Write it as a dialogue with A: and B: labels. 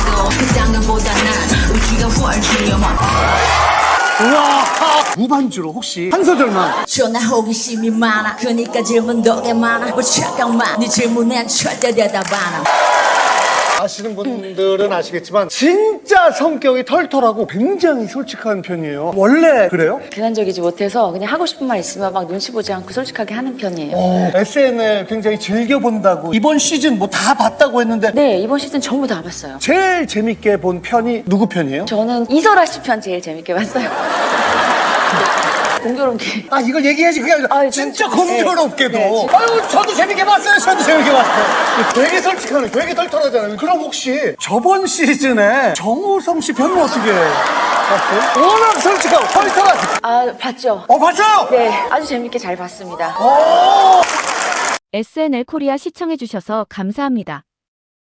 A: 있어. 그 장면보다 난 우주가 훨씬 영원.
B: 우와, 무반주로 혹시 한 소절만.
A: 전화 호기심이 많아. 그니까 질문도 꽤 많아. 뭐 잠깐만 네 질문엔 절대 대답 안 함.
B: 아시는 분들은 아시겠지만 진짜 성격이 털털하고 굉장히 솔직한 편이에요. 원래 그래요?
C: 비난적이지 못해서 그냥 하고 싶은 말 있으면 막 눈치 보지 않고 솔직하게 하는 편이에요.
B: SNL 굉장히 즐겨본다고 이번 시즌 뭐 다 봤다고 했는데
C: 네, 이번 시즌 전부 다 봤어요.
B: 제일 재밌게 본 편이 누구 편이에요?
C: 저는 이설아 씨 편 제일 재밌게 봤어요. 공교롭게.
B: 아 이걸 얘기해야지 그게 아니라
C: 아유,
B: 진짜
C: 전-
B: 공교롭게도
C: 네.
B: 아유 저도 재밌게 봤어요. 저도 재밌게 봤어요. 되게 솔직하네. 되게 털털하잖아요. 그럼 혹시 저번 시즌에 정우성 씨 편은 어떻게 봤어요? 워낙 솔직하고 털털하지.
C: 아, 봤죠?
B: 봤어요?
C: 네, 아주 재밌게 잘 봤습니다.
B: 오!
D: SNL 코리아 시청해주셔서 감사합니다.